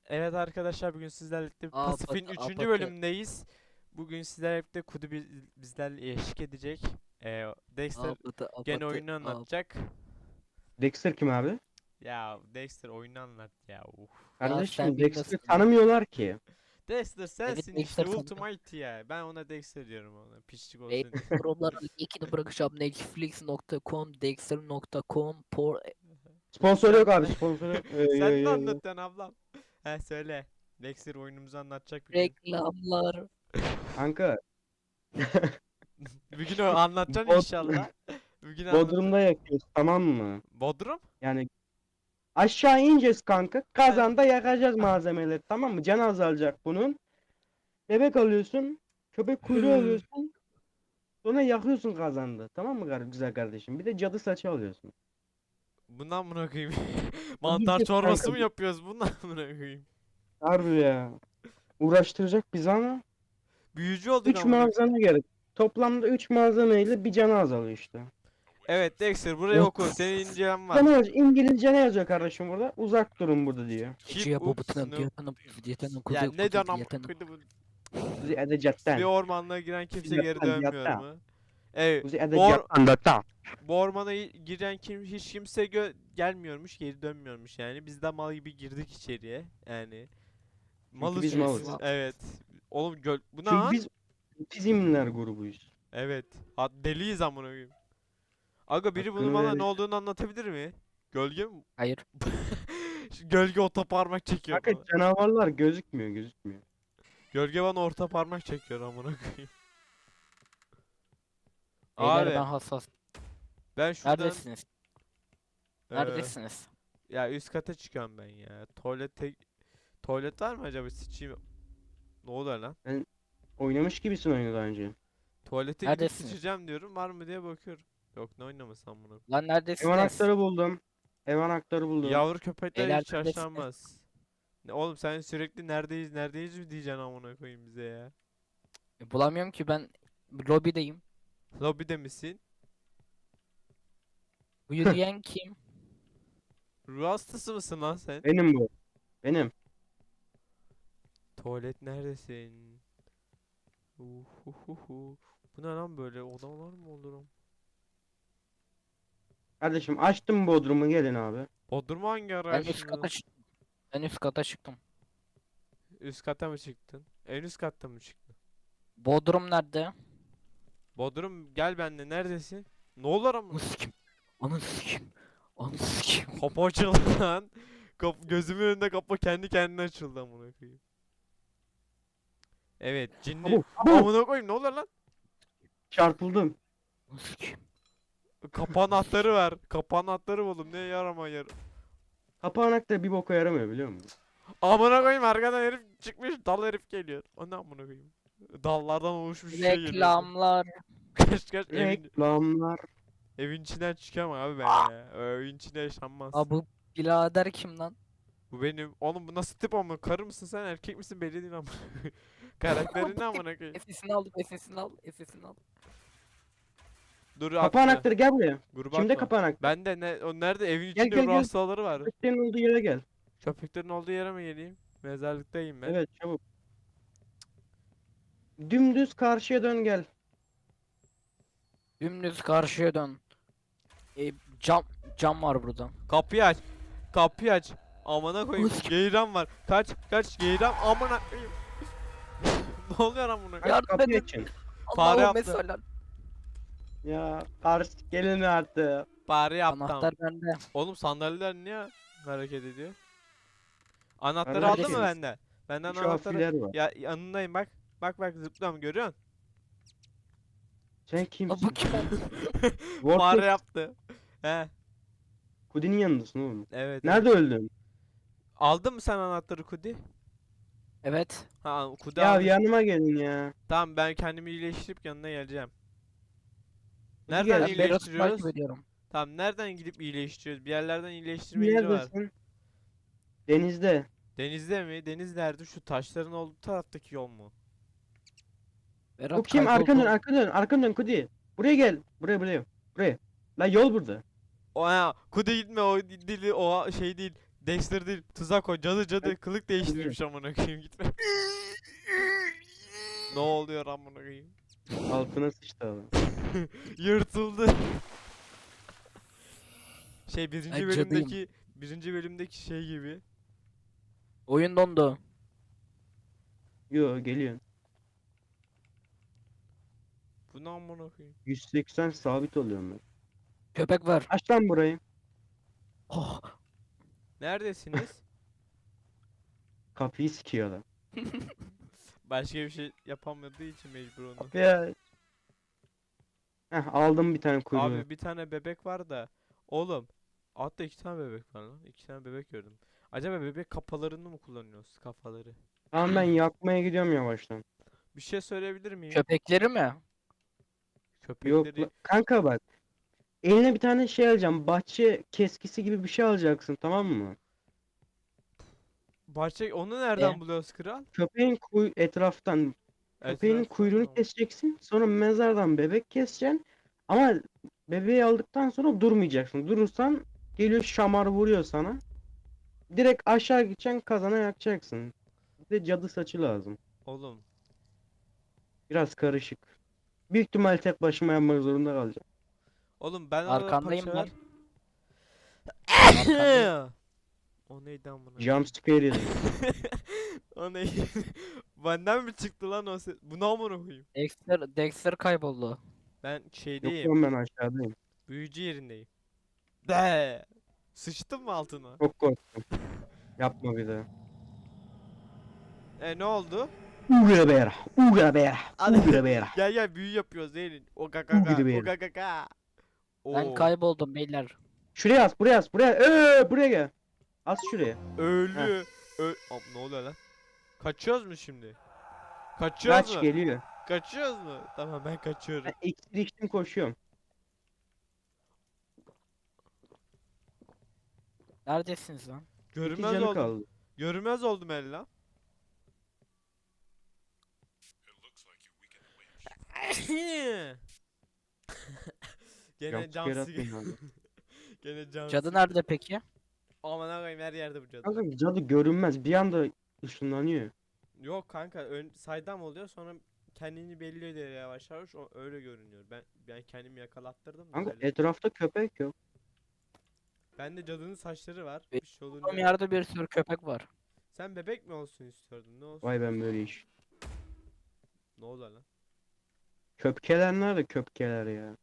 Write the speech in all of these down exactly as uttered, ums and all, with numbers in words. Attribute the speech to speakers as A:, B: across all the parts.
A: Evet arkadaşlar, bugün sizlerle birlikte
B: Apatı
A: Pasif'in üçüncü
B: apatı.
A: bölümündeyiz. Bugün sizlerle birlikte Kudu biz- bizlerle eşlik edecek. Ee, Dexter
B: Apatı
A: gene
B: apatı.
A: oyunu
B: Ap
A: anlatacak.
C: Dexter kim abi?
A: Ya Dexter oyunu anlat ya. Uf.
B: ya
C: Kardeşim
B: sen
C: Dexter'ı
B: bilmiyorsun.
C: tanımıyorlar ki.
A: Dexter
B: Evet,
A: sensin işte,
B: Dexter sen.
A: Ultimate ya. Ben ona Dexter diyorum, ona piçlik olsun
B: Beyler
A: diye.
B: programların linkini bırakacağım. netflix nokta com, dexter nokta com, por
C: Sponsor
A: Sen
C: yok abi sponsor yok. Ee,
A: sen ne
C: ee, ee.
A: anlatıyorsun ablam? He söyle. Dexter oyunumuzu anlatacak bir gün.
B: reklamlar.
C: Kanka
A: Bir gün o anlatacaksın
C: Bod
A: inşallah. Bir gün anlat.
C: Bodrum'da yakıyoruz, tamam mı?
A: Bodrum?
C: Yani aşağı ineceğiz kanka.
A: He.
C: Kazanda yakacağız malzemeleri, tamam mı? Can azalacak bunun. Bebek alıyorsun. Köpek kuyruğu alıyorsun. Sonra yakıyorsun kazanda. Tamam mı kar- güzel kardeşim? Bir de cadı saçı alıyorsun.
A: Bundan mı koyayım?
C: Tabii
A: Mantar
C: ki
A: çorbası
C: kanka.
A: mı yapıyoruz? Bundan mı koyayım?
C: Harbi ya. Uğraştıracak bizi ama
A: Büyücü olduk
C: üç
A: amına koyayım.
C: malzeme gerek. Toplamda üç malzemeyle bir canı azalıyor işte.
A: Evet Dexter, burayı oku. Senin incelen var.
C: Ne yazıyor? İngilizce ne yazıyor kardeşim burada? Uzak durun burada diyor.
A: Keep
B: Geceye
A: up
B: babatınım
A: snow.
B: diyetanım diyetanım
A: Ya
B: kuzu
A: ne
B: kuzu
A: diyorsun amına
B: diyetanım.
A: koyayım?
C: Kuzi
A: Bir
C: edecatten.
A: ormanlığa giren kimse
C: Kuzi
A: geri
C: yattan
A: dönmüyor
C: yatta.
A: mu? Evet.
C: Kuzi
A: Bu, or
C: edecatten yatta.
A: bu ormana y- giren kim hiç kimse gö gelmiyormuş, geri dönmüyormuş yani. Biz de mal gibi girdik içeriye. Yani
C: Çünkü
A: malız
C: biz
A: çünkü.
C: malız.
A: Evet. Oğlum göl bu ne
C: Çünkü
A: lan?
C: biz otizmler grubuyuz.
A: Evet. Ha, deliyiz amına koyayım. Aga, biri bunu
C: Hakkını
A: bana ne
C: verir.
A: olduğunu anlatabilir mi? Gölge mi?
B: Hayır.
A: Şu Gölge orta parmak çekiyor
C: Kanka
A: bana.
C: canavarlar gözükmüyor gözükmüyor.
A: Gölge bana orta parmak çekiyor amına koyayım.
B: Beyler ben
A: Abi
B: hassas.
A: ben şuradan
B: Neredesiniz?
A: eee,
B: Neredesiniz?
A: ya üst kata çıkıyorum ben ya. Tuvalete tuvalet var mı acaba, sıçayım. Ne oluyor lan?
C: Oynamış gibisin oyunu daha önce.
A: Tuvalete gidip
B: Neredesiniz?
A: sıçacağım diyorum, var mı diye bakıyorum. Yok, ne oynaması amına koyayım.
B: Lan
C: Ev
B: neredesiniz?
C: anahtarı buldum. Ev anahtarı buldum.
A: Yavru köpekler
B: Beyler
A: hiç
B: neredesiniz?
A: yaşlanmaz. Ne oğlum, sen sürekli neredeyiz neredeyiz mi diyeceksin amına koyayım bize ya.
B: E, bulamıyorum ki ben lobideyim.
A: Lobide misin?
B: Bu yürüyen kim?
A: Ruh hastası mısın lan sen?
C: Benim bu. Benim.
A: Tuvalet neredesin? Uhuhuhu. Bu ne lan, böyle odalar mı olurum?
C: Kardeşim açtım Bodrum'u, gelin abi.
A: Bodrum hangi ara
B: Ben üst kata
A: açtın?
B: çıktım. Ben üst kata çıktım.
A: Üst kata mı çıktın? En üst katta mı çıktın?
B: Bodrum nerede?
A: Bodrum gel benimle, neredesin? Ne olur
B: Onu
A: amına?
B: sikim. Onu sikim. Onu sikim.
A: Kapı açıldı lan. Kap gözümün önünde kapı kendi kendine açıldı amına koyayım. Evet, cinli.
C: Abu, abu.
A: Amına koyayım, ne olur lan?
C: Çarpıldım.
B: Onu sikim.
A: Kapı anahtarı ver. Kapı anahtarı buldum. Ne yarama yar.
C: Kapı anahtarı bir boka yaramıyor biliyor musun?
A: Amına koyayım, arkadan herif çıkmış, dal herif geliyor. O ne amına koyayım? Dallardan oluşmuş bir şey geliyor.
B: Reklamlar.
A: Kaç kaç, evin
C: Reklamlar.
A: evin içinden çıkamam abi ben ya. Evin içinde yaşanmaz.
B: Aa bu birader kim lan?
A: Bu benim. Oğlum bu nasıl tip ama, karı mısın sen, erkek misin belli değil ama. Karakterin ne amına koyayım?
B: Efesini al, efesini al, efesini al.
A: Dur
C: Kapı
A: atma.
C: anahtarı gel buraya.
A: Gruba
C: Kimde
A: atma.
C: kapı anahtarı?
A: Ben de ne o nerede, evin
C: Gel
A: içinde
C: gel
A: ruh
C: gel.
A: hastaları var.
C: Köpeklerin olduğu yere gel.
A: Köpeklerin olduğu yere mi geleyim? Mezarlıktayım ben.
C: Evet çabuk. Dümdüz karşıya dön gel.
B: Dümdüz karşıya dön. E, cam cam var burada.
A: Kapıyı aç. Kapıyı aç. Amına koyayım.
B: Us-
A: Geyran var. Kaç kaç geyran amına koyayım. Ne oluyor amına koyayım?
B: Yardım
C: Kapıyı
B: edin.
C: açın.
A: Fare
B: Allah'ım
A: yaptı.
B: mesela.
C: Ya karşı gelin artık.
A: Bari yaptım.
B: Anahtar bende.
A: Oğlum sandalyeler niye hareket ediyor? Anahtarı
C: Kardeşim,
A: aldın mı bende? Benden
C: Şu
A: anahtarı.
C: afiler var.
A: Ya yanındayım bak. Bak bak, zıplıyorum, görüyorsun?
C: Sen
B: Aa,
C: kimsin?
B: bu kim?
C: Vortex.
A: Fare yaptı. He,
C: Kudinin yanındasın oğlum.
A: evet.
C: Nerede
A: evet.
C: öldün?
A: Aldın mı sen anahtarı Kudi?
B: Evet.
A: Ha, Kudi
C: Ya
A: almış.
C: yanıma gelin ya.
A: Tamam, ben kendimi iyileştirip yanına geleceğim.
C: Hadi
A: Nereden
C: gel.
B: Ben Berat'ı
A: iyileştiriyoruz?
B: takip ediyorum.
A: Tamam, nereden gidip iyileştiriyoruz? Bir yerlerden iyileştirme yeri var.
C: Neredesin? Denizde.
A: Denizde mi? Deniz nerede? Şu taşların olduğu taraftaki yol mu?
B: Berat
C: Bu kim?
B: kayboldu.
C: Arkanı dön, arkanı dön, arkanı dön Kudi. Buraya gel. Buraya, buraya. Buraya. Lan yol burada.
A: O ha, Kudi gitme, o dili o şey değil. Dexter değil. Tuzak o. Cadı cadı. Kılık değiştirmiş amına koyayım gitme. Ne oluyor amına koyayım?
C: Altına sıçtı adam.
A: Yırtıldı. Şey birinci
B: Ay, cadıyım.
A: bölümdeki birinci bölümdeki şey gibi.
B: Oyun dondu.
C: Yo geliyor.
A: Bu ne amına koyayım?
C: yüz seksen sabit oluyorum ben.
B: Köpek var.
C: Aç lan burayı.
B: Oh.
A: Neredesiniz?
C: Kapıyı sikiyor adam.
A: Başka bir şey yapamadığı için mecbur onu.
C: Kapıyı aç. Heh, aldım bir tane kuyruğu.
A: Abi bir tane bebek var da. Oğlum. Altta iki tane bebek var lan. İki tane bebek gördüm. Acaba bebek kafalarını mı kullanıyoruz? Kafaları.
C: Tamam ben yakmaya gidiyorum yavaştan.
A: Bir şey söyleyebilir miyim?
B: Köpekleri mi?
C: Yok
A: Köpekleri
C: la- kanka bak. Eline bir tane şey alacağım. Bahçe keskisi gibi bir şey alacaksın, tamam mı?
A: bahçe onu nereden
B: E?
A: buluyoruz kral?
C: Köpeğin kuy etraftan köpeğin
A: Etraftan
C: kuyruğunu
A: mı?
C: keseceksin. Sonra mezardan bebek keseceksin. Ama bebeği aldıktan sonra durmayacaksın. Durursan geliyor şamar vuruyor sana. Direkt aşağı gideceksin, kazana yakacaksın. Bir de cadı saçı lazım.
A: Oğlum.
C: Biraz karışık. Büyük ihtimal tek başıma yapmak zorunda kalacağım.
A: Oğlum ben arada
B: Arkandayım
A: parça
B: lan.
A: ver.
B: Arkandayım.
A: O neydi amına?
C: Jump scare yedim.
A: O neydi? Benden mi çıktı lan o ses? Bu ne amına koyayım?
B: Dexter, Dexter kayboldu.
A: Ben
C: Yok
A: şeydeyim.
C: lan ben aşağıdayım.
A: Büyücü yerindeyim. De. Sıçtın mı altına?
C: Çok korktum. Yapma bir daha.
A: E ne oldu?
C: Ugra bera. Ugra bera.
A: Hadi.
C: Ugra bera.
A: Gel gel büyü yapıyoruz Zeynep. O
C: Bu
A: kaka
C: gibi
A: o
C: benim.
A: kaka.
B: Ben kayboldum beyler.
C: Şuraya as, buraya as, buraya. Ee, buraya gel. As şuraya.
A: Ölü. Ö Am, ne oluyor lan? Kaçıyoruz mu şimdi? Kaçıyoruz
C: Kaç
A: mu?
C: geliyor.
A: Kaçıyoruz mu? Tamam ben kaçıyorum.
C: Ben iksir içtim koşuyorum.
B: Neredesiniz lan?
C: İki
A: Görünmez
C: canı
A: oldum.
C: kaldı.
A: Görünmez oldum el lan. Gene
C: Jump
A: can
C: scare
A: sıkı.
C: atmayın abi.
A: Gene can
B: Cadı
A: sıkı.
B: nerede peki?
A: Aman ağabeyim her yerde bu cadı.
C: Kanka cadı görünmez. Bir anda ışınlanıyor.
A: Yok kanka ön saydam oluyor sonra kendini belli ediyor yavaş yavaş o öyle görünüyor. Ben ben kendimi yakalattırdım da
C: Kanka
A: öyle.
C: etrafta köpek yok.
A: Bende cadının saçları var.
B: Be-
A: Bir şey
B: Oğlum
A: olunca.
B: yerde bir sürü köpek var.
A: Sen bebek mi olsun istiyordun? Ne olsun?
C: Vay ben böyle iş.
A: Ne oldu lan?
C: Köpkeler nerede köpkeler ya?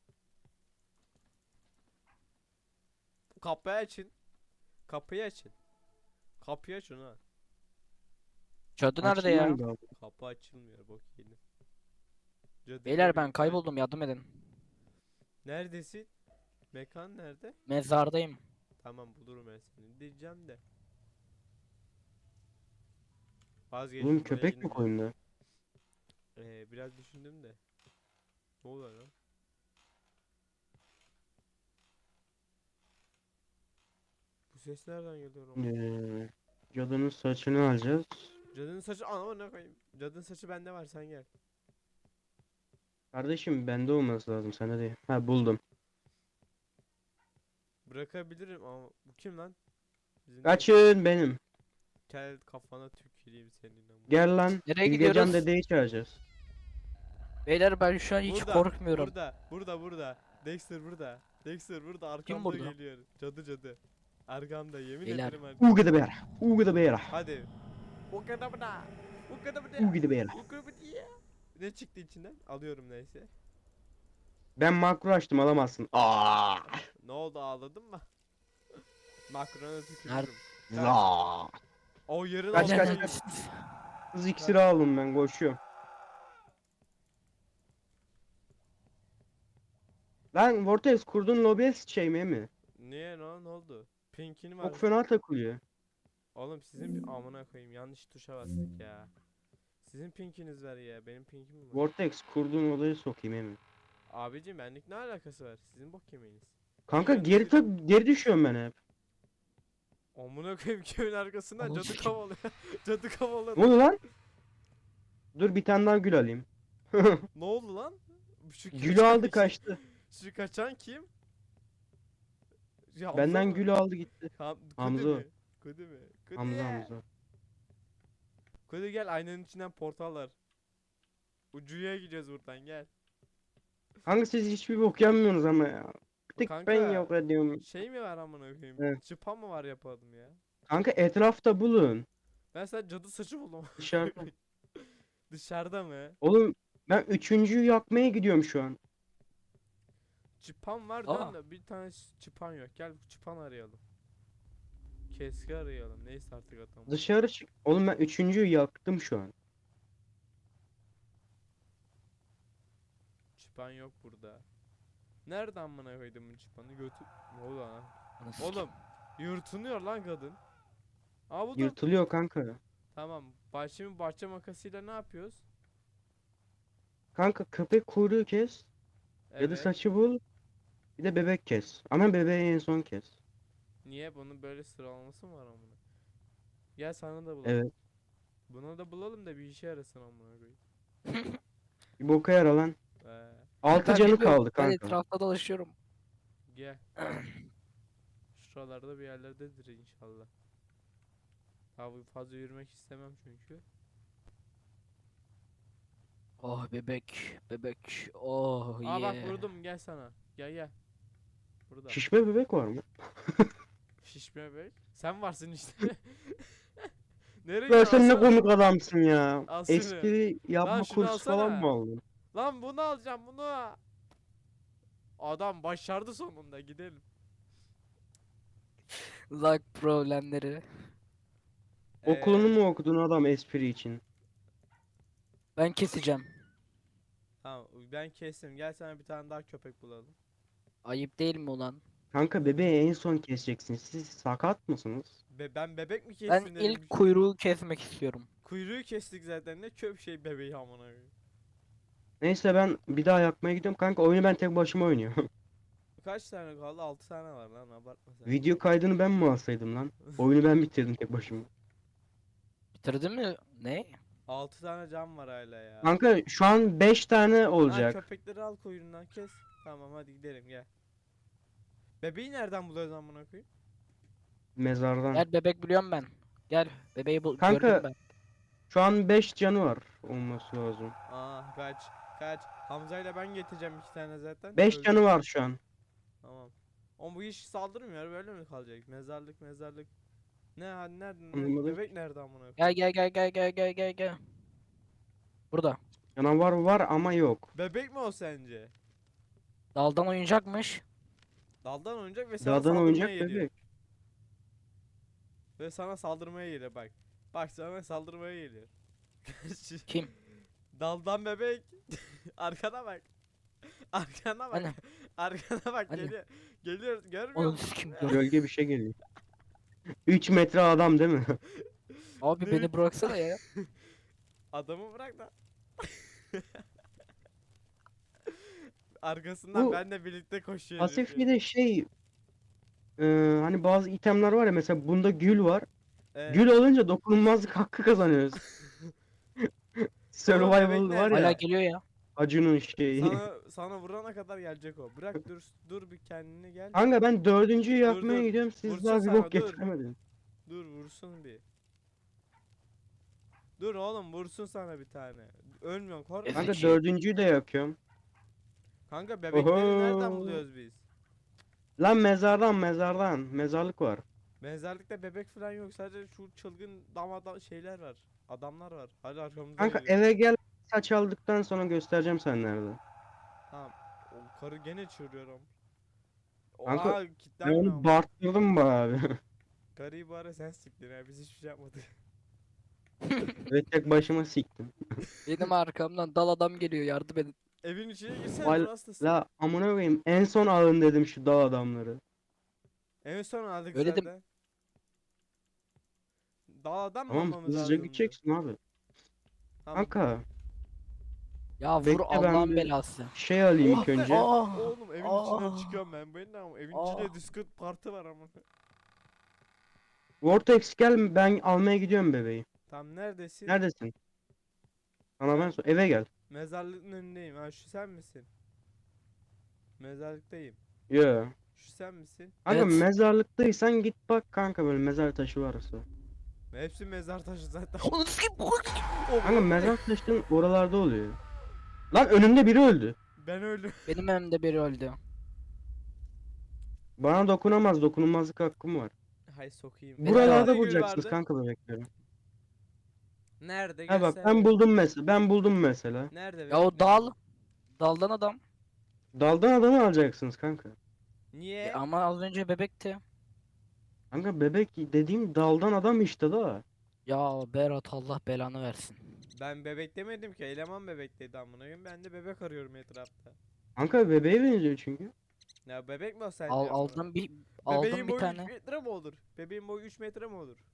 A: Kapıyı açın. Kapıyı açın. Kapıyı açın ha.
B: Cadı nerede ya?
C: Açılmam lazım.
A: Kapı açılmıyor bok yedim. Cadıyla
B: Beyler ben
A: birlikte-
B: kayboldum, yardım edin.
A: Neredesin? Mekan nerede?
B: Mezardayım.
A: Tamam bulurum ben seni diyeceğim de.
C: Oğlum
A: Vazgeçtim buraya
C: köpek yok
A: gitmeyeceğim.
C: oyunda.
A: Ee, biraz düşündüm de. Ne oluyor lan? Bu ses nereden geliyor ama?
C: Ee, cadının saçını alacağız.
A: Cadının saçı anama ne koyayım? Cadının saçı bende var sen gel.
C: Kardeşim bende olması lazım, sana değil. Ha buldum.
A: Bırakabilirim ama bu kim lan? Bizim
C: Kaçın benim.
A: kel kafana tüküreyim senin ama.
C: Gel lan.
B: Nereye
C: Bilgecan
B: gidiyoruz?
C: dedeyi çağıracağız.
B: Beyler ben şu an hiç
A: Burada,
B: korkmuyorum.
A: Burada, burada, burada. Dexter burada. Dexter burada arkamda
B: burada?
A: geliyor. Cadı cadı. Arkamda yemin
B: Beyler.
A: ederim arkamda.
C: Uga da bera. Uga da bera.
A: Hadi. O kadar bana. O kadar bana.
C: Uga da bera.
A: O kadar bana. Ne çıktı içinden? Alıyorum neyse.
C: Ben makro açtım, alamazsın. Aa!
A: Ne oldu ağladın mı? Makrona
B: Nerede?
A: tükürürüm.
C: Za!
A: O yarın
C: Kaç,
A: oldu.
C: kaç, kaç. Hız iksiri aldım, ben koşuyorum. Lan Vortex kurdun lobiye şey mi mi?
A: Niye ne, ne oldu? Pink'ini var.
C: Çok fena takılıyor.
A: Oğlum sizin pi- amına koyayım yanlış tuşa bastık ya. Sizin pinkiniz var ya benim pinkim mi var?
C: Vortex kurduğun odayı sokayım emin.
A: Abicim benlik ne alakası var? Sizin bok yemeğiniz.
C: Kanka
A: Niye
C: geri tak
A: öyle
C: geri düşüyorum ben hep.
A: Amına koyayım köyün arkasından
B: Ananı
A: cadı
B: sikeyim.
A: kavalıyor. Cadı kavalıyor.
C: Ne oldu lan? Dur bir tane daha gül alayım.
A: Ne oldu lan? Şu
C: Gülü
A: kaçan
C: aldı
A: kim?
C: kaçtı.
A: Şu kaçan kim? Ya
C: Benden
A: Hamza mı?
C: gülü aldı gitti.
A: Ham
C: Hamza
A: Kudu
C: o.
A: mu? Kudu mu? Kudu
C: Hamza
A: ya.
C: Hamza.
A: Kudu gel, aynanın içinden portal var. Ucuya gideceğiz buradan, gel.
C: Kanka siz hiçbir bok yapmıyorsunuz ama ya. Bir tek ben
A: Kanka
C: yok ediyorum.
A: şey mi var amına koyayım?
C: Evet.
A: Çıpa mı var yapalım ya?
C: Kanka etrafta bulun.
A: Ben sana cadı saçı buldum.
C: Dışarıda.
A: Dışarıda mı?
C: Oğlum ben üçüncüyü yakmaya gidiyorum şu an.
A: Çıpan var
B: Aa.
A: diyorsun da bir tane ş- çıpan yok. Gel çıpan arayalım. Keski arayalım. Neyse artık atalım.
C: Dışarı çık. Oğlum ben üçüncüyü yaktım şu an.
A: Çıpan yok burada. Nereden amına koydum bu çıpanı? Götü... Ne oldu lan?
B: Anasını
A: Oğlum yırtınıyor lan kadın. Aa buldum.
C: Yırtılıyor kanka.
A: Tamam. Baş, şimdi bahçe makasıyla ne yapıyoruz?
C: Kanka köpek kuyruğu kes. Ya da
A: Evet.
C: saçı bul. Bir de bebek kes. Ama bebeği en son kes.
A: Niye? Bunun böyle sıralaması mı var amına? Gel sana da bulalım.
C: Evet.
A: Buna da bulalım da bir işe yarasın amına koyayım.
C: Bir boka yara lan.
A: Ee,
C: Altı
B: Ben
C: canı
B: bilmiyorum,
C: kaldı
B: Ben
C: kanka.
B: etrafta dolaşıyorum.
A: gel. Şuralarda bir yerlerdedir inşallah. Abi fazla yürümek istemem çünkü.
B: Oh bebek, bebek. Oh
A: Aa bak
B: yeah.
A: vurdum, gel sana. Gel gel. Burada.
C: Şişme bebek var mı?
A: Şişme bey. Sen varsın işte. Nereye
C: Ya
A: gidiyorsun?
C: sen ne
A: Alsana.
C: komik adamsın ya.
A: Al şunu.
C: Espri yapma
A: Lan şunu
C: kursu falan
A: alsana.
C: mı aldın?
A: Lan bunu alacağım bunu. Adam başardı sonunda, gidelim.
B: Lag problemleri.
C: Okulunu
A: Ee,
C: mu okudun adam espri için?
B: Ben keseceğim.
A: Tamam ben kestim. Gel sana bir tane daha köpek bulalım.
B: Ayıp değil mi ulan?
C: Kanka bebeği en son keseceksin. Siz sakat mısınız?
A: Be ben bebek mi kestim
B: Ben
A: dedim.
B: ilk kuyruğu kesmek istiyorum.
A: Kuyruğu kestik zaten, ne köp şey bebeği amına koyayım.
C: Neyse ben bir daha yakmaya gidiyorum. Kanka oyunu ben tek başıma oynuyorum.
A: Kaç tane kaldı? altı tane var lan, abartma sen.
C: Video kaydını ben mi alsaydım lan? Oyunu ben bitirdim tek başıma.
B: Bitirdin mi? Ne?
A: altı tane cam var hala ya.
C: Kanka şu an beş tane
A: Ha,
C: olacak.
A: köpekleri al kuyruğundan kes. Tamam hadi gidelim gel. Bebeği nereden buluyoruz amına koyayım?
C: Mezardan.
B: Gel bebek biliyorum ben. Gel bebeği bul
C: Kanka,
B: gördüm ben.
C: Şu an beş canı var olması lazım.
A: Aa kaç kaç. Hamza ile ben getireceğim iki tane zaten.
C: beş
A: Öldür.
C: canı var şu an.
A: Tamam. Ama bu iş saldırmıyor, böyle mi kalacak? Mezarlık mezarlık. Ne hadi nerede? Ne?
C: Anlamadım.
A: Bebek nerede amına koyayım?
B: Gel gel gel gel gel gel gel gel. Burada.
C: Canavar var ama yok.
A: Bebek mi o sence?
B: Daldan oyuncakmış.
A: Daldan oynayacak ve sana
C: Dağdan
A: saldırmaya
C: oyuncak
A: geliyor.
C: bebek.
A: Ve sana saldırmaya geliyor bak. Bak sana saldırmaya geliyor.
B: Kim?
A: Daldan bebek. Arkana bak. Arkana bak.
B: Hani?
A: Arkana bak
B: Hani?
A: geliyor. Geliyor, görmüyor
B: Onu
A: musun?
B: kim?
C: Gölge bir şey geliyor. üç metre adam değil mi?
B: Abi
A: Ne?
B: beni bıraksana ya.
A: Adamı bırak da. Arkasından
C: Bu
A: benle birlikte koşuyor herif
C: pasif
A: ya.
C: bir de şey e, hani bazı itemler var ya, mesela bunda gül var.
A: Evet.
C: Gül alınca dokunulmazlık hakkı kazanıyoruz. Survival var
A: nerede?
B: Hala
C: ya,
B: geliyor ya.
C: Acun'un şeyi.
A: Sana sana vurana kadar gelecek o. Bırak dur dur bir kendine gel.
C: Kanka ben dördüncüyü yakmaya
A: dur.
C: gidiyorum, siz
A: Vursun
C: daha bir
A: sana,
C: bok
A: dur.
C: getiremediniz.
A: Dur vursun bir. Dur oğlum vursun sana bir tane. Ölmüyorsun korkma.
C: Kanka
B: Ezik.
C: dördüncüyü de yakıyorum.
A: Kanka bebekleri nereden
C: Oho.
A: buluyoruz biz?
C: Lan mezardan mezardan. Mezarlık var.
A: Mezarlıkta bebek falan yok, sadece şu çılgın damada şeyler var. Adamlar var. Hadi arkamızdan
C: Kanka
A: geliyor.
C: eve gel, saç aldıktan sonra göstereceğim sen nerede.
A: Tamam. O karı gene çığırıyorum.
C: Kanka,
A: Oha
C: Ben
A: kilitlenme
C: onu
A: ama.
C: barttırdım be abi.
A: Karıyı bari sen siktin ya, biz hiçbir şey yapmadık.
C: Ve tek başıma siktim.
B: Benim arkamdan dal adam geliyor yardım edin.
A: Evin içine girsene,
C: Val-
A: dur hastasın.
C: La amına koyayım, en son alın dedim şu dağ adamları.
A: En son aldık
B: Öyle de-
A: zaten. Dağdan mı
C: Tamam,
A: almamız
C: hızlıca
A: lazımdı?
C: gideceksin abi.
A: Tamam.
C: Kanka
B: Ya vur
C: Bekle, ben
B: Allah'ın
C: bir-
B: belası.
C: şey alayım
A: Oh
C: ilk
A: be!
C: önce.
B: Aa,
A: Oğlum evin içinden
B: aa.
A: çıkıyorum ben. Ben de ama evin
B: Aa.
A: içinde Discord parti var ama.
C: Vortex gel, ben almaya gidiyorum bebeği.
A: Tam neredesin?
C: Neredesin? Sana ben sor. Eve gel.
A: Mezarlığın önündeyim. Ha şu sen misin? Mezarlıktayım.
C: Yo.
A: Şu sen misin?
C: Kanka
B: Evet.
C: mezarlıktaysan git bak kanka, böyle mezar taşı varsa.
A: Hepsi mezar taşı zaten.
B: Onu sikeyim.
C: Kanka mezar taşının oralarda oluyor. Lan önümde biri öldü.
A: Ben öldüm.
B: Benim önümde biri öldü.
C: Bana dokunamaz, dokunulmazlık hakkım var.
A: Hay sokayım.
B: Benim de
C: Buralarda
A: Nerede gül
C: bulacaksınız
A: vardı?
C: kanka bebekleri.
A: Nerede?
C: Ha bak
A: Göster
C: ben
A: bir.
C: buldum mesela. Ben buldum mesela.
A: Nerede
B: Ya
A: bebek?
B: o
A: Nerede?
B: dal. Daldan adam.
C: Daldan adamı alacaksınız kanka.
A: Niye?
B: E, ama az önce bebekti.
C: Kanka bebek dediğim daldan adam işte da.
B: Ya Berat Allah belanı versin.
A: Ben bebek demedim ki. Eleman bebek dedi amına koyayım. Ben de bebek arıyorum etrafta.
C: Kanka bebeğe benziyor çünkü.
A: Ya bebek mi o sence
B: Al,
A: amına?
B: aldım bir
A: Bebeğin
B: aldım bir
A: boyu
B: tane.
A: üç metre mi olur? Bebeğin boyu üç metre mi olur?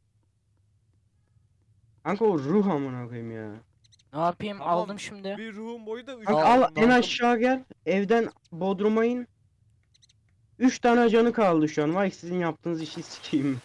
C: Kanka o ruh amına koyayım ya.
B: Ne yapayım?
A: Tamam,
B: Aldım şimdi.
A: Bir ruhun boyu da üç
C: Kanka
B: Al-
C: al
A: metre.
C: en
B: aldım.
C: aşağı gel. Evden Bodrum'a in. Üç tane canı kaldı şu an. Vay sizin yaptığınız işi sikeyim.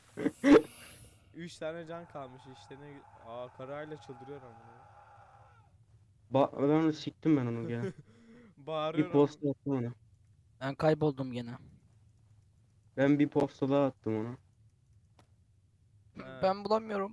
A: üç tane can kalmış işte ne gü- Aa karayla çıldırıyor amına.
C: Ba ben onu siktim ben onu ya.
A: Bağırıyor
C: Bir posta attım ona.
B: Ben kayboldum gene.
C: Ben bir posta daha attım ona.
A: Ha.
B: Ben bulamıyorum.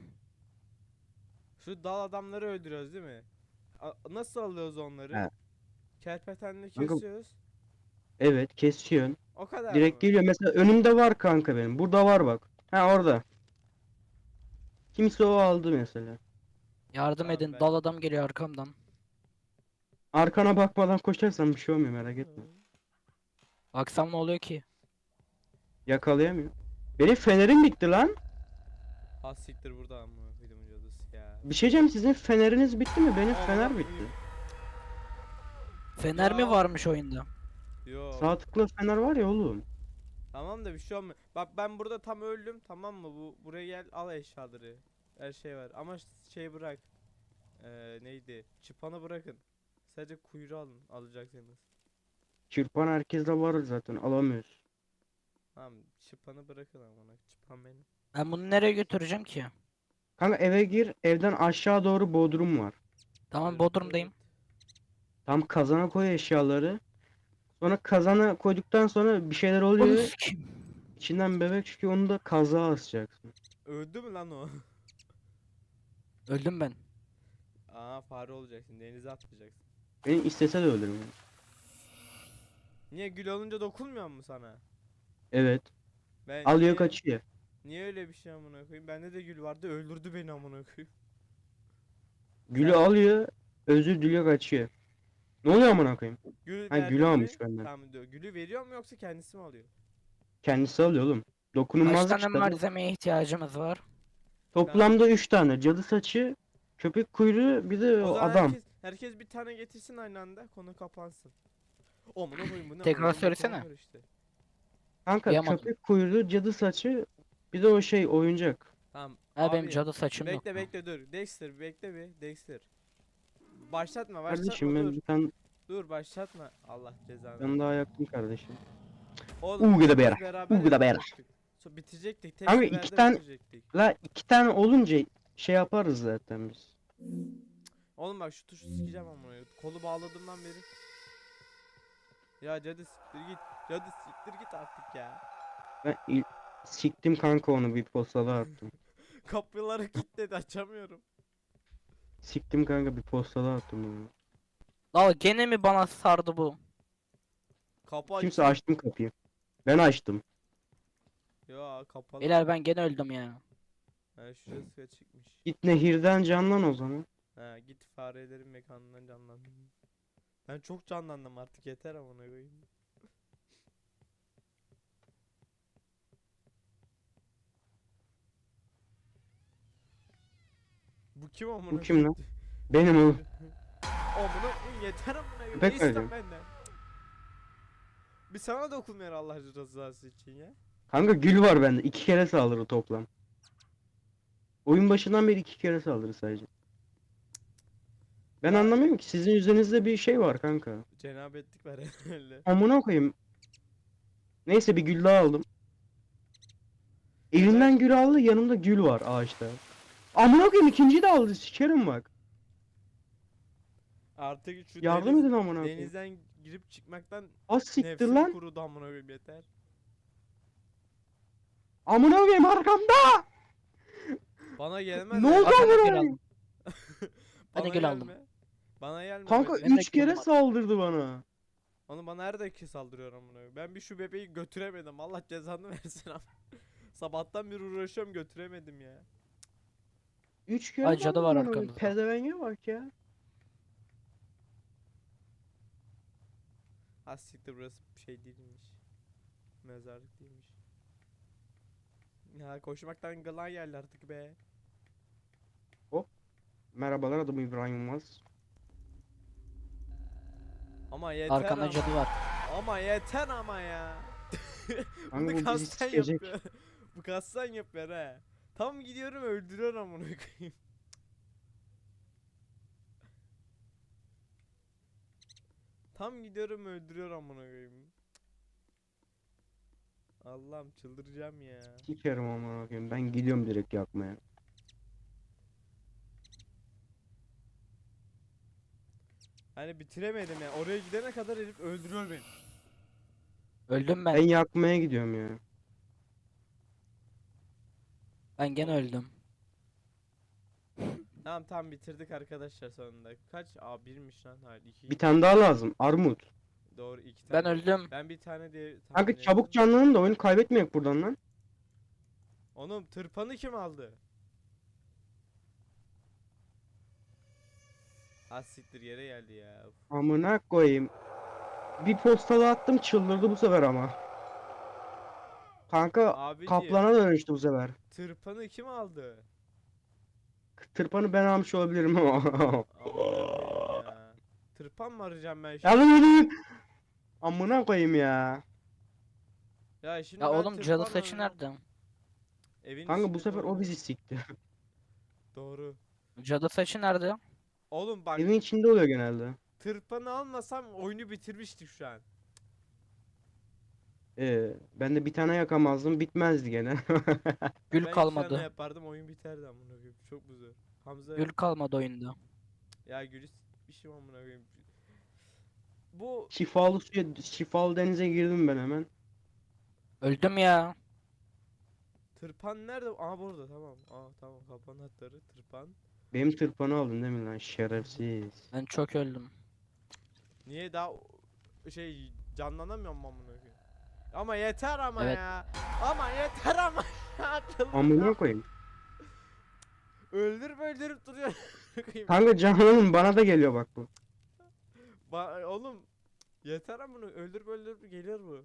A: Şu dal adamları öldürüyoruz değil mi? A- nasıl alıyoruz onları?
C: He.
A: Kerpetenle
C: Kanka-
A: kesiyoruz.
C: Evet kesiyorsun.
A: O kadar
C: Direkt
A: mı?
C: geliyor. Mesela önümde var kanka benim. Burada var bak. Ha orada. Kimse o aldı mesela.
B: Yardım
A: Tamam,
B: edin.
A: ben-
B: Dal adam geliyor arkamdan.
C: Arkana bakmadan koşarsan bir şey olmuyor, merak etme.
B: Baksam ne oluyor ki?
C: Yakalayamıyor. Benim fenerim bitti lan.
A: Ha siktir burada amına koydum cadısı ya.
C: Bir şey diyeceğim, sizin feneriniz bitti mi? Benim
A: Aa,
C: fener
A: bak,
C: bitti.
B: Fener mi
A: Ya.
B: varmış oyunda?
A: Yo.
C: Sağ tıkla fener var ya oğlum.
A: Tamam da bir şey olmuyor. Bak ben burada tam öldüm tamam mı? Bu buraya gel al eşyaları. Her şey var ama ş- şey bırak. Ee, neydi? Çıpanı bırakın. Sadece kuyruğu alın alacaksınız.
C: Çırpan herkeste var zaten, alamıyoruz.
A: Tamam çıpanı bırakın amına. Çıpan benim.
B: Ben bunu nereye götüreceğim ki?
C: Kanka eve gir, evden aşağı doğru bodrum var.
B: Tamam
A: Evet,
B: Bodrum'dayım.
C: Tam kazana koy eşyaları. Sonra kazana koyduktan sonra bir şeyler
B: Onu
C: oluyor.
B: sikeyim.
C: İçinden bebek çıkıyor, onu da kazağa asacaksın.
A: evet. Öldü mü lan o?
B: Öldüm ben.
A: Aa fare olacaksın. Denize atlayacaksın.
C: Beni istese de öldürür.
A: Niye gül olunca dokunmuyor mu sana?
C: Evet.
A: Ben
C: Alıyor
A: niye,
C: kaçıyor.
A: niye öyle bir şey amına koyayım? Bende de gül vardı öldürdü beni amına koyayım.
C: Gülü
A: Sen-
C: alıyor, özür diliyor, kaçıyor. Ne oluyor amına koyayım?
A: Gül
C: Ha,
A: verdi
C: gülü
A: mi?
C: almış benden.
A: Tamam diyor. Gülü veriyor mu yoksa kendisi mi alıyor?
C: Kendisi alıyor oğlum.
B: Kaç
C: Dokunulmazlık
B: tane
C: işte.
B: malzemeye ihtiyacımız var?
C: Toplamda üç tane. Cadı saçı, köpek kuyruğu, bir de
A: O
C: o
A: zaman
C: adam.
A: herkes herkes bir tane getirsin aynı anda konu kapansın. Amına koyayım bu ne?
B: Tekrar
A: amına koyayım,
B: söylesene.
A: var işte.
C: Kanka
B: Duyamadım.
C: köpek kuyruğu, cadı saçı, bir de o şey oyuncak.
A: Tamam.
B: Ha benim
A: abi,
B: cadı saçım yok.
A: Bekle bekle dur. Dexter bekle bir. Dexter. Başlatma başlatma
C: Kardeşim ben
A: dur.
C: bir tane,
A: Dur başlatma. Allah cezanı.
C: ben daha yaktım kardeşim.
A: Oğlum
C: Uğur da
A: biz
C: bera,
A: beraber
C: uğur da bera.
A: yapacaktık. So, bitirecektik. Tek
C: Abi
A: seferde
C: iki tane-
A: bitirecektik.
C: La iki tane olunca şey yaparız zaten biz.
A: Oğlum bak şu tuşu sikeceğim ama kolu bağladığımdan beri. Ya cadı siktir git. Cadı siktir git artık ya.
C: Ben il- siktim kanka, onu bir postada attım.
A: Kapıları kilitledi açamıyorum.
C: Siktim kanka, bir postada attım onu.
B: La gene mi bana sardı bu?
A: Kapı
C: Kimse
A: açık.
C: açtım kapıyı. Ben açtım.
A: Ya kapalı.
B: Beyler ben gene öldüm ya.
A: Ha şurası açıkmış.
C: Git nehirden canlan o zaman.
A: Ha git farelerin mekanından canlan. Ben çok canlandım artık yeter amına koyayım. Bu kim amına
C: Bu kim lan?
A: koyayım?
C: Benim oğlum.
A: Amına koyayım yeter amına koyayım.
C: Köpek
A: Ne istiyorsun
C: verdim.
A: benden? Bir sana dokunmuyor Allah rızası için ya.
C: Kanka gül var bende. İki kere saldırı toplam. Oyun başından beri iki kere saldırı sadece. Ben
A: Ya-
C: anlamıyorum ki, sizin üzerinizde bir şey var kanka.
A: Cenabetlik var herhalde.
C: Amına koyayım. Neyse bir gül daha aldım. Elinden gül aldı, yanımda gül var ağaçta. Amına koyayım, ikinciyi de aldı, sikerim bak.
A: Artık şu
C: Yardım
A: deniz-
C: edin amına koyayım.
A: denizden girip çıkmaktan
C: Az siktir
A: nefsim
C: lan.
A: kurudu amına koyayım yeter.
C: Amına koyayım arkamda.
A: Bana gelmez
C: Ne
A: ya.
C: oldu
B: Bak ben de
C: amına
B: gül
C: koyayım?
B: aldım. Ben de
A: Bana
B: gül aldım.
A: gelme. Bana gelme
C: Kanka
A: be.
B: Benim de
C: üç
B: gülüm
C: kere
B: var.
C: saldırdı bana.
A: Onu bana her dakika saldırıyor amına koyayım. Ben bir şu bebeği götüremedim. Allah cezanı versin ama. Sabahtan beri uğraşıyorum götüremedim ya.
C: Üç kere
B: Ay, cadı
C: saldırdı
B: var
C: bana. Böyle.
B: arkamızda.
C: Pezevenge bak ya.
A: Ha siktir burası bir şey değilmiş. Mezarlık değilmiş. Ya koşmaktan gılan geldi artık be.
C: Merhabalar, adım İbrahim Yılmaz.
A: Ama yeter
B: Arkamda
A: ama.
B: cadı var.
A: Ama yeter ama ya.
C: Kanka bu
A: Bunu
C: bizi
A: kastan
C: sikecek.
A: yapıyor. Bu kastan yapıyor he. Tam gidiyorum öldürüyor amına koyayım. Tam gidiyorum öldürüyor amına koyayım. Allah'ım çıldıracağım ya.
C: Sikerim amına koyayım. Ben gidiyorum direkt yakmaya.
A: Hani bitiremedim ya. Oraya gidene kadar herif öldürüyor beni.
B: Öldüm
C: Ben
B: ben.
C: yakmaya gidiyorum ya.
B: Ben gene öldüm.
A: Tamam tamam bitirdik arkadaşlar sonunda. Kaç? Aa birmiş lan. Hayır iki.
C: Bir tane daha lazım. Armut.
A: Doğru iki
B: Ben
A: tane.
B: öldüm.
A: Ben bir tane diye tahmin
C: Kanka
A: ettim.
C: çabuk canlanın da oyunu kaybetmeyek buradan lan.
A: Oğlum tırpanı kim aldı? Ha siktir yere geldi ya. Uf.
C: Amına koyayım. Bir postalı attım, çıldırdı bu sefer ama. Kanka
A: Abiciğim
C: kaplana dönüştü bu sefer.
A: tırpanı kim aldı?
C: Tırpanı ben almış olabilirim ama.
A: Amına koyayım ya. Tırpan mı arayacağım ben şimdi?
C: Yalın yalın. Amına koyayım ya.
A: Ya şimdi
B: Ya
A: ben
B: oğlum cadı
A: tırpan
B: saçı
A: arayacağım.
B: nerede?
A: Evin
C: Kanka bu
A: içinde
C: sefer o
A: doğru.
C: bizi sikti.
A: Doğru.
B: Cadı saçı nerede?
A: Oğlum bak
C: Evin içinde oluyor genelde.
A: tırpanı almasam oyunu bitirmiştik şu an.
C: Ee, ben de bir tane yakamazdım, bitmezdi gene.
B: Gül
A: Ben iki tane
B: kalmadı.
A: yapardım oyun biterdi amına koyayım. Çok güzel. Hamza
B: Gül kalmadı oyunda.
A: ya Gülis bir şey amına koyayım. Bu
C: Şifalı suya, şifalı denize girdim ben hemen.
B: Öldüm ya.
A: tırpan nerede? Aa burada tamam. Aa tamam kapı anahtarı tırpan.
C: Benim tırpanı aldın değil mi lan şerefsiz.
B: Ben çok öldüm.
A: Niye daha o- şey canlanamıyorum amına koyayım. Ama yeter ama
B: Evet.
A: ya. Ama yeter ama ya.
C: Amına koyayım.
A: Öldürüp öldürüp duruyor. Koyayım.
C: Kanka canlanın, bana da geliyor bak bu.
A: Ba- oğlum yeter amına öldürüp öldürüp geliyor bu.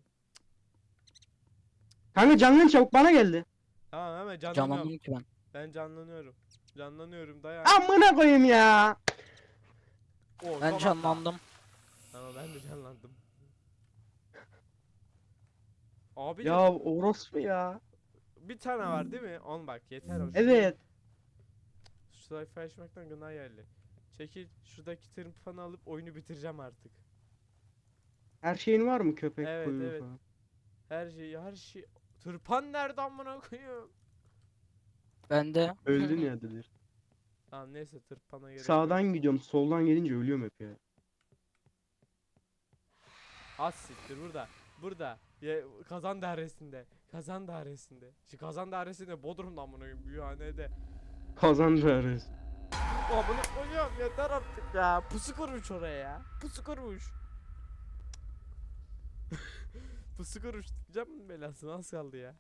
C: Kanka canlanın çabuk, bana geldi.
A: Tamam hemen canlanıyorum.
B: Canlandım ki ben.
A: Ben canlanıyorum. Canlanıyorum dayan.
C: Amına koyayım ya.
A: Oo,
B: Ben
A: son
B: canlandım.
A: anda. Tamam ben de canlandım. Abi
C: Ya orospu ya.
A: bir tane var değil mi? On bak yeter o.
C: Evet.
A: Şu sayfa açmaktan gına geldi. Çekil şuradaki tırpanı alıp oyunu bitireceğim artık.
C: Her şeyin var mı, köpek
A: Evet,
C: kuyruğu
A: evet.
C: falan?
A: Her şey her şey. Tırpan nerede amına koyayım?
B: Ben de.
C: Öldün ya dedir.
A: Tamam neyse tırpana gerek yok.
C: Sağdan gidiyorum, soldan gelince ölüyorum hep ya.
A: Az siktir burada. Burada. Ya, kazan dairesinde. Kazan dairesinde. Şu kazan dairesinde Bodrum'da amına koyayım. Büyühanede.
C: Kazandı arası.
A: Amına koyuyorum yeter artık ya. Pusu kurmuş oraya ya. Pusu kurmuş. Pusu kurmuş. Canım belasını az kaldı ya.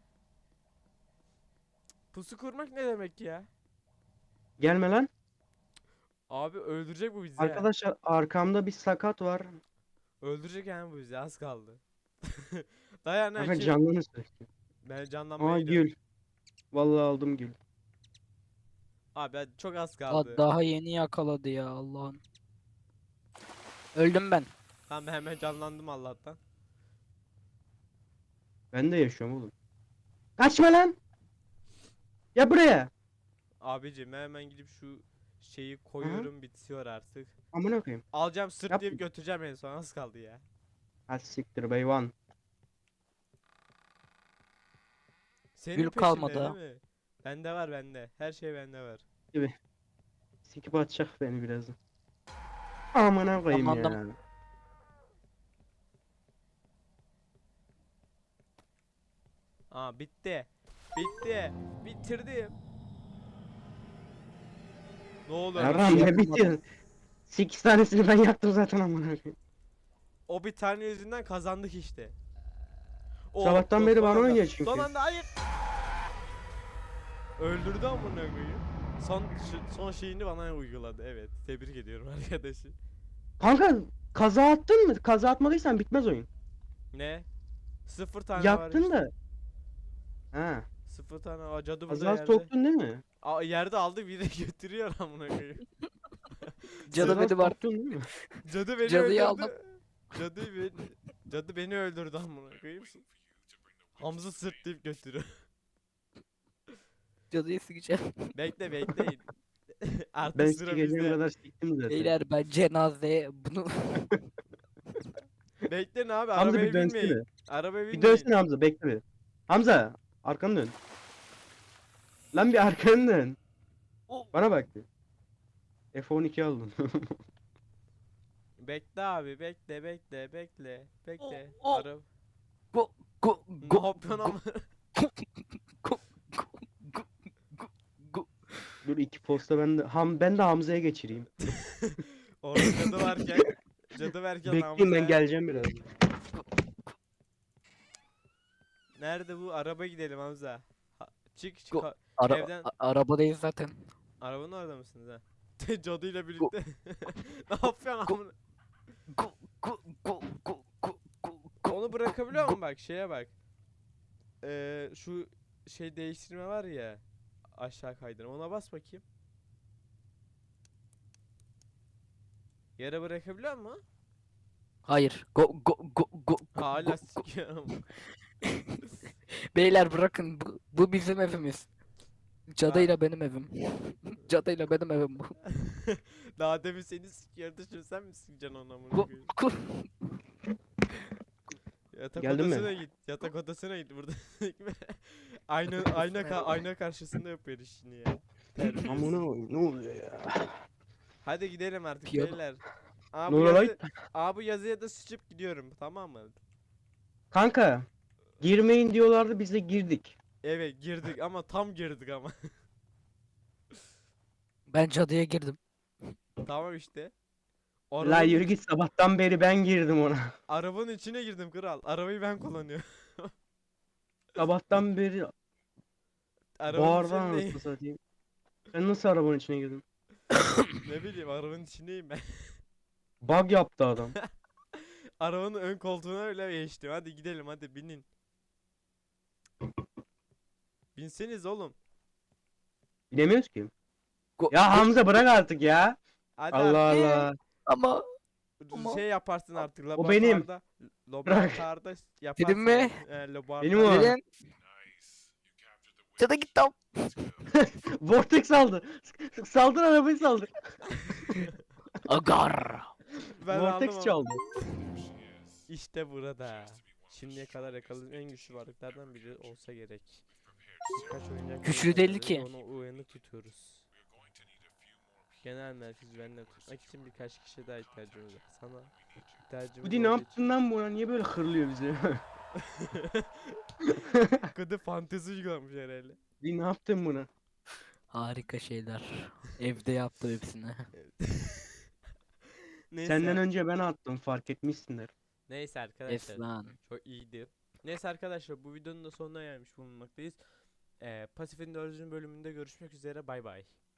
A: Pusu kurmak ne demek ya?
C: Gelme lan.
A: Abi öldürecek bu bizi ya.
C: Arkadaşlar arkamda bir sakat var.
A: Öldürecek yani bu bizi az kaldı. Dayan
C: Kanka
A: Akif.
C: canlanır sürekli.
A: Ben canlanmaya
C: Aa
A: gidiyorum.
C: gül. Vallahi aldım gül.
A: Abi ben çok az
B: Aa,
A: kaldı.
B: daha yeni yakaladı ya Allah'ım. Öldüm ben.
A: Tamam ben hemen canlandım Allah'tan.
C: Ben de yaşıyorum oğlum. Kaçma lan. Ya buraya.
A: Abicim ben hemen gidip şu şeyi koyuyorum bitiyor artık.
C: Amına koyayım.
A: Alacağım sırtlayıp
C: Yapma.
A: götüreceğim en son az kaldı ya.
C: Ha siktir be Ivan.
A: Senin
B: Gül
A: peşinde
B: kalmadı
A: değil mi? Bende var bende. Her şey bende var.
C: Sikip atacak beni birazdan. Amına koyayım ya.
B: Canlandım.
A: Aa bitti. Bitti. Bitirdim. Ne oluyor?
C: Erhan
A: lan?
B: şey
C: ne
B: yapamadım.
C: bitiyor? sekiz tanesini ben yaptım zaten amına koyayım.
A: O bir tane yüzünden kazandık işte. Oh,
C: Sabahtan
A: oh,
C: beri
A: son
C: bana
A: anda-
C: oynuyor çünkü.
A: Son anda hayır. Öldürdü amına koyayım. Son şu- son şeyini bana uyguladı. Evet. Tebrik ediyorum arkadaşı.
C: Kanka kaza attın mı? Kaza atmadıysan bitmez oyun.
A: Ne? Sıfır tane var
C: Yaktın
A: işte.
C: da. Ha.
A: Sıfır tane. Aa, cadı burada
C: Kaza
A: yerde.
C: soktun değil mi?
A: Aa, yerde aldı bir de götürüyor amına koyayım.
B: Cadı
C: Kaza
B: beni var.
C: soktun değil mi?
A: Cadı beni
B: Cadıyı
A: öldürdü.
B: aldım.
A: Cadı beni Cadı beni öldürdü amına koyayım. Hamza sırtlayıp götürüyor.
B: Cadıyı sikeceğim.
A: Bekle bekleyin. Artık
C: Ben
A: sıra
C: sikeceğim
A: bizde.
C: kadar siktim zaten.
B: Beyler ben cenazeye bunu
A: Bekleyin abi,
C: Hamza
A: arabaya
C: bir dönsene.
A: binmeyin. Arabaya
C: Bir
A: binmeyin.
C: dönsene Hamza bekle bir. Hamza arkanı dön. Lan bir arkanı dön.
B: Oh.
C: Bana bak bir. F on iki aldın.
A: Bekle abi, bekle bekle bekle bekle.
B: Oh, oh.
A: Araba.
B: go go
A: Ne
B: go
A: yapıyorsun ama?
B: go go go go go.
C: Dur iki posta ben de Ham ben de Hamza'ya geçireyim.
A: Orada cadı varken cadı varken
C: Bekleyin ben
A: Hamza-
C: geleceğim biraz.
A: Nerede bu? Araba gidelim Hamza. Ha, çık çık.
B: Go-
A: ha-
B: Ara
A: Evden-
B: a- arabadayız zaten.
A: Arabanın orada mısınız ha? Cadıyla birlikte. Ne yapıyorsun
B: Go-
A: amına?
B: Go go go go go go go.
A: Onu bırakabiliyor musun bak, şeye bak. Ee, şu şey değiştirme var ya. Aşağı kaydırma. Ona bas bakayım. Yere bırakabiliyor musun?
B: Hayır. Go go go go.
A: Hala
B: go-
A: sikiyorum.
B: Beyler bırakın bu, bu bizim evimiz. Cadıyla benim evim. Cadıyla benim evim bu.
A: Daha demin seni sikiyordu, şimdi sen mi sikeceksin onu amına
B: Go
A: koyayım?
B: go.
C: Geldin
A: Yatak
C: mi?
A: odasına git. Yatak odasına git burada. ayna ayna ka- ayna karşısında yapıyor işini ya. Terbiyesiz.
C: Amına koyayım, ne oluyor ya?
A: Hadi gidelim artık
B: Piyano.
A: beyler. Aa,
C: Ne
A: bu,
C: oluyor lan?
A: yazı, aa, bu yazıya da sıçıp gidiyorum, tamam mı?
C: Kanka girmeyin diyorlardı biz de girdik.
A: Evet girdik ama tam girdik ama.
B: Ben cadıya girdim.
A: Tamam işte.
C: La
A: Arabanın,
C: yürü git sabahtan beri ben girdim ona.
A: arabanın içine girdim kral. Arabayı ben kullanıyorum.
C: Sabahtan beri
A: Arabanın
C: bağırdan
A: içindeyim.
C: anasını satayım. Sen nasıl arabanın içine girdin?
A: Ne bileyim, arabanın içindeyim ben.
C: Bug yaptı adam.
A: Arabanın ön koltuğuna öyle geçtim. Hadi gidelim, hadi binin. Binseniz oğlum.
C: Bilemiyoruz ki.
B: Go
C: Ya
B: go-
C: Hamza bırak artık ya.
A: Hadi
C: Allah
A: artık.
C: Allah.
B: ama
A: Ş- Şey yaparsın artık
C: O benim.
A: laboratuvarda. Laboratuvarda yaparsın.
B: Dedim mi?
A: E, laboratuvarda.
C: Benim o.
B: Gelin. Cadı git tam.
C: Vortex aldı. Saldır arabayı saldır.
B: Agar.
A: Ben aldım
C: Vortex
A: ama.
C: çaldı.
A: İşte burada. Şimdiye kadar yakaladığım en güçlü varlıklardan biri olsa gerek. Birkaç oyuncak
B: Güçlü
A: bulamadım
B: değil
A: ve
B: ki.
A: Onu uyanık tutuyoruz. Genel merkezi bende tutmak için birkaç kişi daha ihtiyacımız var. Sana ihtiyacımız
C: Budi ne
A: olduğu için-
C: yaptın lan buna? Niye böyle hırlıyor bizi?
A: Kıdı fantezi uygulamış herhalde.
C: Budi ne yaptın buna?
B: Harika şeyler. Evde yaptım hepsini.
A: Neyse.
C: Senden önce ben attım fark etmişsindir.
A: Neyse arkadaşlar.
B: Eflan.
A: Çok iyiydi. Neyse arkadaşlar, bu videonun da sonuna gelmiş bulunmaktayız. Ee, Pasif'in dördüncü bölümünde görüşmek üzere, bay bay.